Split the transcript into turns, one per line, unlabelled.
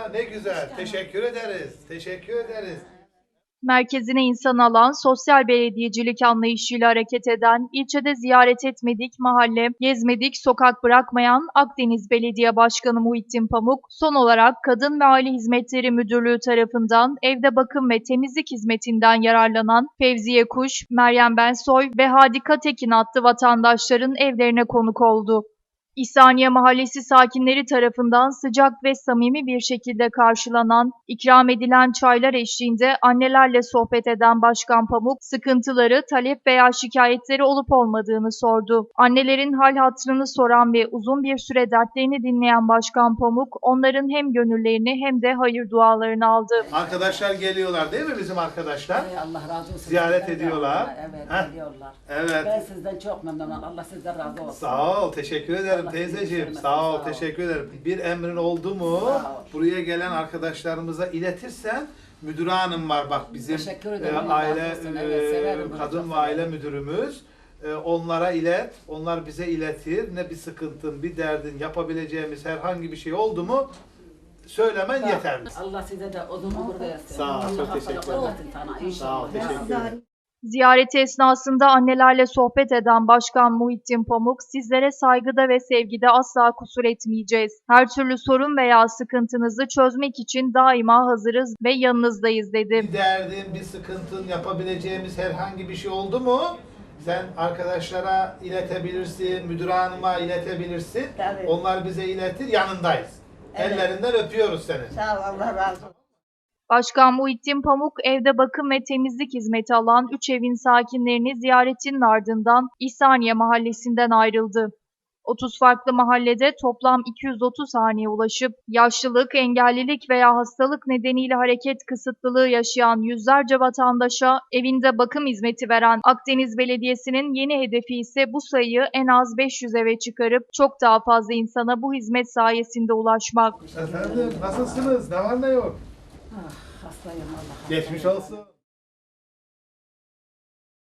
ne güzel. Teşekkür ederiz. Teşekkür ederiz.
Merkezine insan alan sosyal belediyecilik anlayışıyla hareket eden, ilçede ziyaret etmedik mahalle, gezmedik sokak bırakmayan Akdeniz Belediye Başkanı Muhittin Pamuk, son olarak Kadın ve Aile Hizmetleri Müdürlüğü tarafından evde bakım ve temizlik hizmetinden yararlanan Fevziye Kuş, Meryem Bensoy ve Hadika Tekin adlı vatandaşların evlerine konuk oldu. İhsaniye Mahallesi sakinleri tarafından sıcak ve samimi bir şekilde karşılanan, ikram edilen çaylar eşliğinde annelerle sohbet eden Başkan Pamuk, sıkıntıları, talep veya şikayetleri olup olmadığını sordu. Annelerin hal hatırını soran ve uzun bir süre dertlerini dinleyen Başkan Pamuk, onların hem gönüllerini hem de hayır dualarını aldı.
Arkadaşlar geliyorlar değil mi bizim arkadaşlar?
Allah razı olsun.
Ziyaret
Sizden
ediyorlar.
Evet,
Heh.
geliyorlar.
Evet.
Ben sizden çok memnunum. Allah sizden razı olsun.
Sağ ol, teşekkür ederim
Allah
teyzeciğim.
sizi
Sağ ol,
sağ ol.
teşekkür ederim. Bir emrin oldu mu?
Sağ ol.
Buraya gelen arkadaşlarımıza iletirsen, müdür hanım var bak bizim
Teşekkür ederim. Allah
aile
razı olsun. Evet, severim bunu,
kadın
çok
ve aile
severim.
müdürümüz. Onlara ilet, onlar bize iletir. Ne bir sıkıntın, bir derdin, yapabileceğimiz herhangi bir şey oldu mu söylemen yeterli.
Allah size de uzun ömür versin.
Sağ ol, çok
Allah
teşekkür
sağlık
ederim.
versin sana. İnşallah.
Sağ ol, teşekkür ederim.
Ziyareti esnasında annelerle sohbet eden Başkan Muhittin Pamuk, sizlere saygıda ve sevgide asla kusur etmeyeceğiz. Her türlü sorun veya sıkıntınızı çözmek için daima hazırız ve yanınızdayız dedi.
Bir derdin, bir sıkıntın, yapabileceğimiz herhangi bir şey oldu mu? Sen arkadaşlara iletebilirsin, müdür hanıma iletebilirsin.
Tabii.
Onlar bize iletir, yanındayız.
Evet.
Ellerinden öpüyoruz seni.
Sağ ol, Allah razı olsun.
Başkan Muhittin Pamuk, evde bakım ve temizlik hizmeti alan 3 evin sakinlerini ziyaretinin ardından İhsaniye Mahallesi'nden ayrıldı. 30 farklı mahallede toplam 230 haneye ulaşıp yaşlılık, engellilik veya hastalık nedeniyle hareket kısıtlılığı yaşayan yüzlerce vatandaşa evinde bakım hizmeti veren Akdeniz Belediyesi'nin yeni hedefi ise bu sayıyı en az 500 eve çıkarıp çok daha fazla insana bu hizmet sayesinde ulaşmak.
Efendim, nasılsınız? Ne var ne yok?
Ah, hastayım Allah.
Geçmiş olsun.